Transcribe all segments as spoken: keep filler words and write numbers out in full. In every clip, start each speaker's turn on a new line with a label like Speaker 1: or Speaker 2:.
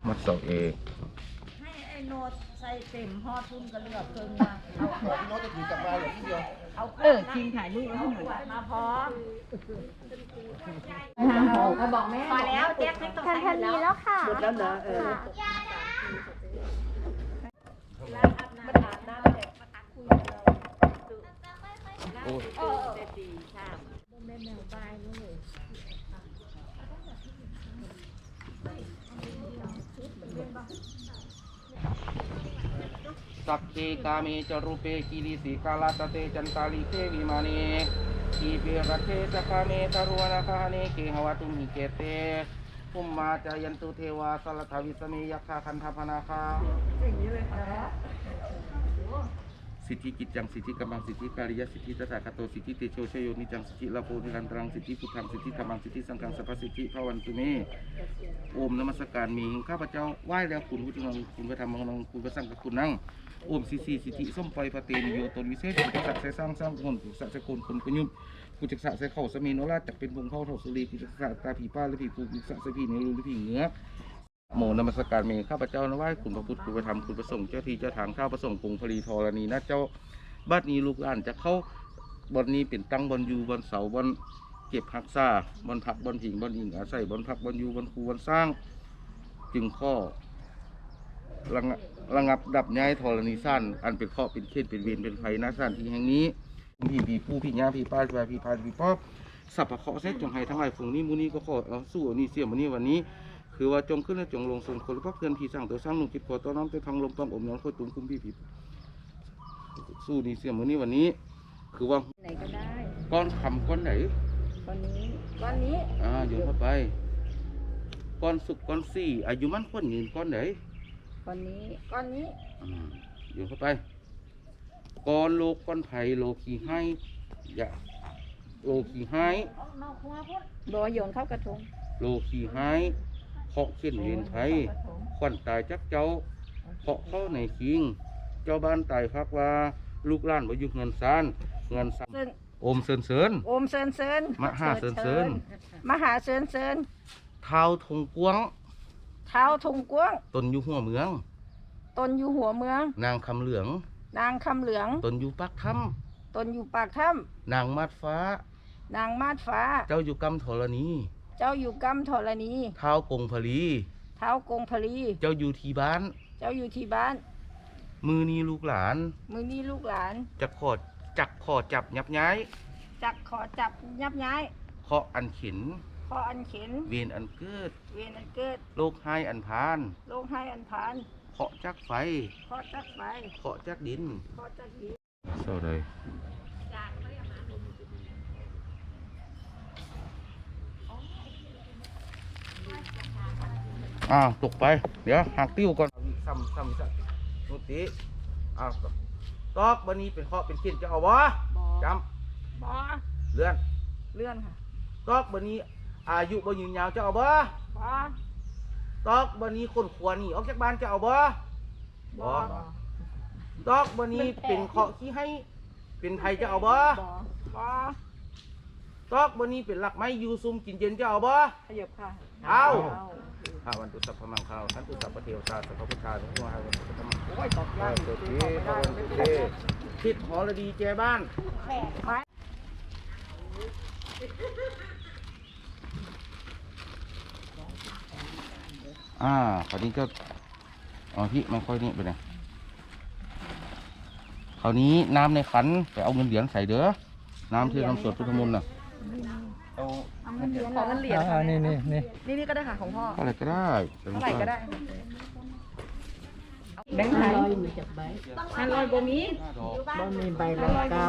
Speaker 1: มัดเสาเอก
Speaker 2: ให้ไอ้โนดใส่เต็มห่อทุ่มกระเลือกเพิ่งมาเอาเพิ่ง
Speaker 3: โน้ตจะถือกลับมาอย่างที่เดียว
Speaker 2: เอาเออทีมถ่ายรูปให้หนูมาพร้อมเขาบอกแม่พอแล้วแจ๊คให้ต้องใส่แล้วค่ะหมดแล้วเหรอเออ
Speaker 1: โอ้ยสักเคกาเมจรูเปกิริสิกาลาตเตจันตาลิเควิมานีทีเปรัเคจคาเมตารวนาคาเนเกหวตุมิเกเตภุมมาจายันตุเทวาสลทวิสเมยัคคาคันธพนาคาอย่างนี้เลยครับสิทธิกิจจังสิทธิกำลังสิทธิการิยสิทธิตถาคตโตสิทธิเตโชชโยนิจังสิทธิลาโภนิรันตรังสิทธิพุทธังสิทธิธรรมังสิทธิสังฆังสัพพสิทธิภวันตุเมโอมนมัสการมีข้าพเจ้าไหว้แล้วคุณพุทธังคุณพระธรรมมังคุณพระสังฆคุณนั่งโอมสิสีสิทธิส้มปล่อยพระเตนิโยตนวิเศษกุจักใส่สร้างสร้างคนกุจักใส่คนคนประยุทธ์กุจักใส่เข่าสมีโนราจักเป็นวงเข้าเท่าสุรีกุจักใส่ตาผีป้าหรือผีปูกุจักใส่ผีในรูหรือผีเงือกโมนมัสการมีข้าพเจ้านไหว้คุณพระพุทธคุณพระธรรมคุณพระสงฆ์เจ้าที่เจ้าทางข้าพระสงฆ์กรุงพลีธรณีนะเจ้าบัดนี้ลูกหลานจะเข้าบนนี้เป็นตั้งบนอยู่บนเสาบนเก็บหักษาบนผักบนผิงบนอิงอาศัยบนผักบนอยู่บนคูบนสร้างจึงข้อระงับระงับดับย้ายธรณีสั้นอันเป็นข้อเป็นเขตเป็นเวรเป็นไฟหน้าสั้นที่แห่งนี้พี่พี่ผู้พี่ย่าพี่ป้าพี่พี่พาพี่ป๊อบสัพพะเคาะเสจงให้ทั้งหลายฝูงนี้มูนี้ก็ขอเอาสู้นี่เสี่ยมนี้วันนี้คือว่าจงขึ้นและจงลงส่งคนพระเพื่อนพี่สร้างตัวสร้างหนุ่มจิตขอต้อนน้ำตัวทางลมต้องอมน้ำค่อยตุ้มคุ้มพี่พี่สู้นี่เสี่ยมนี้วันนี้คือว่า
Speaker 2: ไหนก็ได้
Speaker 1: ก้อนคำก้อนไหน
Speaker 2: ก้อนนี้ก้อนนี้
Speaker 1: อ่าโยนเข้าไปก้อนสุกก้อนสี่อายุมันก้อนยืนก้อนไหน
Speaker 2: ก้อนนี้ก้อนนี้
Speaker 1: อ่าโยนเข้าไปก้อนโลกก้อนไผ่โลกีให้อย่าโลกีให้
Speaker 2: บอโยนเข้ากระทง
Speaker 1: โลกีให้เคาะเขียนเวียนไทยขวัญตายจักเจ้าเคาะเข้าในคิงเจ้าบ้านตายพักว่าลูกหลานบ่อยู่เงินซานเงินซานโอมเซินเซิน
Speaker 2: โอมเซินเซิน
Speaker 1: มหาเซินเซิน
Speaker 2: มหาเซินเซิน
Speaker 1: เท้าทงกวง
Speaker 2: เท้าทงกวง
Speaker 1: ตนอยู่หัวเมือง
Speaker 2: ตนอยู่หัวเมือง
Speaker 1: นางคำเหลือง
Speaker 2: นางคำเหลือง
Speaker 1: ตนอยู่ปากถ้
Speaker 2: ำตนอยู่ปากถ้
Speaker 1: ำนางมาดฟ้าน
Speaker 2: างมาดฟ้า
Speaker 1: เจ้าอยู่กำธรณี
Speaker 2: เจ้าอยู่กำธรณี
Speaker 1: เท้ากงพลี
Speaker 2: เท้ากงพลี
Speaker 1: เจ้าอยู่ที่บ้าน
Speaker 2: เจ้าอยู่ที่บ้าน
Speaker 1: มือนี้ลูกหลาน
Speaker 2: มือนี้ลูกหลาน
Speaker 1: จะขอจักขอจับยับย้าย
Speaker 2: จักขอจับยับย้าย
Speaker 1: เคาะอันเข็น
Speaker 2: เคาะอันเข็น
Speaker 1: เวียนอันเกิด
Speaker 2: เวียนอันเกิด
Speaker 1: โลกให้อันพาน
Speaker 2: โลกให้อันพาน
Speaker 1: เคาะจักไฟ
Speaker 2: เคาะจักไฟ
Speaker 1: เคาะจักดิน
Speaker 2: เคาะจักดิน
Speaker 1: เศร้าเลยอ้าวตกไปเดี๋ยวหักติ้วก่อนซ้ำซ้ำซ้ำนุติอ้าวตอกวันนี้เป็นเคาะเป็นเขียนจะเอาวะจ
Speaker 2: ำบอ
Speaker 1: เลื่อน
Speaker 2: เลื่อนค่ะ
Speaker 1: ตอกวันนี้อายุบ่ยืนยาวจะเอาบ่
Speaker 2: บอ
Speaker 1: ตอกวันนี้คนขวานี่ออกจากบ้านจะเอาบ่
Speaker 2: บอ
Speaker 1: ตอกวันนี้เป็นเคาะขี้ให้เป็นไทยจะเอาบ่
Speaker 2: บอ
Speaker 1: ตอกวันนี้เป็นหลักไม้ยูซุมกินเย็นจะเอาบ่
Speaker 2: ขยับค่ะ
Speaker 1: เอาข้าวันตุสัพพมังข้าวท่านตุสัพพเทวตาสัพพพุทธาสัพพมหาวันตุสัพพมังโอ้ยตอบยากเกิดที่พระวันตุเททิศหอระดีแจบ้านอ่าคราวนี้ก็อ๋อพี่ไม่ค่อยนี่ไปไหนคราวนี้น้ำในขันไปเอาเงินเหรียญใส่เด้อน้ำที่ทำสวดพุทธมนต์น่ะ
Speaker 2: เอาเงินเหรียญของเงินเหรียญค่ะนี่นี่นี่นี่นี่ก็ได้ค่ะของพ่อ
Speaker 1: เท่าไหร่ก็ได้
Speaker 2: เท่าไหร่ก็ได้แบงค์ไทยห้าร้อยบ่มี
Speaker 4: บ่มีใบหลอกเก้า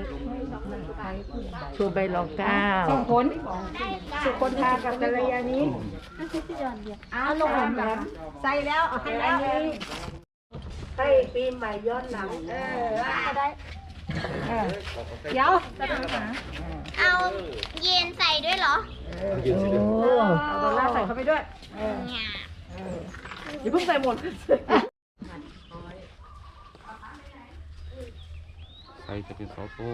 Speaker 4: ชูใบหลอกเก้า
Speaker 2: สองคนสุคนทากับกัลยาณีเอาลงแบบใส่แล้วเอาให้แล้ว
Speaker 4: ให้ปีใหม่ย้อนหลัง
Speaker 2: เออก็ได้เดี๋ยวจะไปหา
Speaker 5: เอาเย็นใส่ด้วยเหรอ
Speaker 2: เอาดอลลาร์ใส่เข้าไปด้วยอย่าเพิ่งใส่หมด
Speaker 1: ใครจะเป็นซอโต้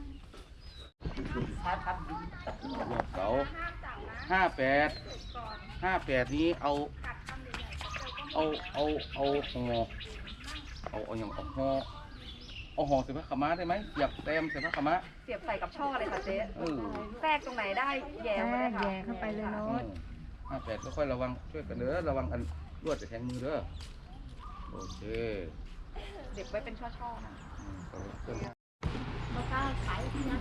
Speaker 1: เสาห้าแปดห้าแปดนี้เอา เอา เอา เอาห่อเอาเอาอย่างเอาห่อเอาห่อใส่ผ้าขาวม้าได้ไหมอยากแต้มใส่ผ้าขาวม้า
Speaker 3: เสียบใส่กับช่อเลยค่ะเจ๊
Speaker 1: เออ
Speaker 3: แทรกตรงไหนได้แย่
Speaker 2: แย่
Speaker 3: มาเลยค่ะ
Speaker 2: แย่เข้าไปเลยเนาะ
Speaker 1: ห้าแปดค่อยๆระวังช่วยกันเด้อระวังอันรวดจะแทงมือเด้อโอเค
Speaker 3: เด็บไว้เป็นช่อๆนะ
Speaker 1: อืมเอาเครื่อง
Speaker 4: มาก้าวขายที่นั่น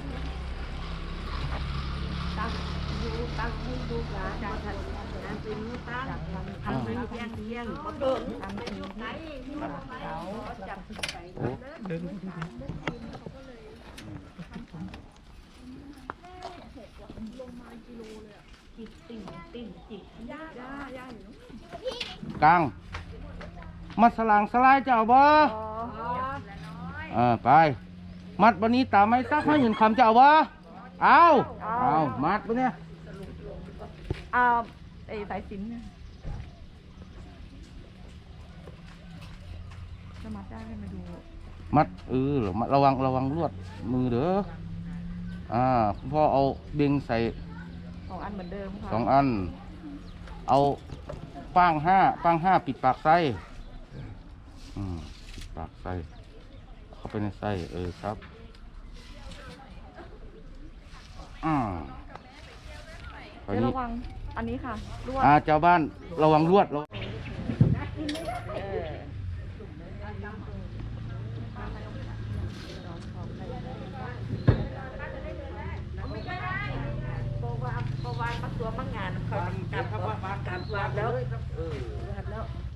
Speaker 4: ตั้งดูตั้งให้ดูหลานมาทันงานเป็นมือตั้งทำเป็นเที่ยงเที่ยงมาเกินทำเป็นไหนที่มันเขาจับใส่
Speaker 1: โอ้กลางมัดสลางสลายเจ้าบ่เออไป มัดวันนี้ตามไม่ซักให้หยินคำเจ้าบ่เอาเอามัดปะเนี่ย
Speaker 3: อ่าไอ้สายสิญจน์เนี่ยจะมัดได้ให้มาดู
Speaker 1: มัดเออระวังระวังลวดมือเด้ออ่าคุณพ่อเอาเบงใส่
Speaker 3: สองอันเหมือนเดิมค่ะ
Speaker 1: สองอัน เอาป้างห้าป้างห้าปิดปากไส้อืมปิดปากไส้เข้าไปในไส้เออครับอ่าคราว
Speaker 3: เจ๊
Speaker 1: นี้
Speaker 3: ระวังอันนี้ค่ะลวด
Speaker 1: อ่าเจ้าบ้านระวังลวดระวัง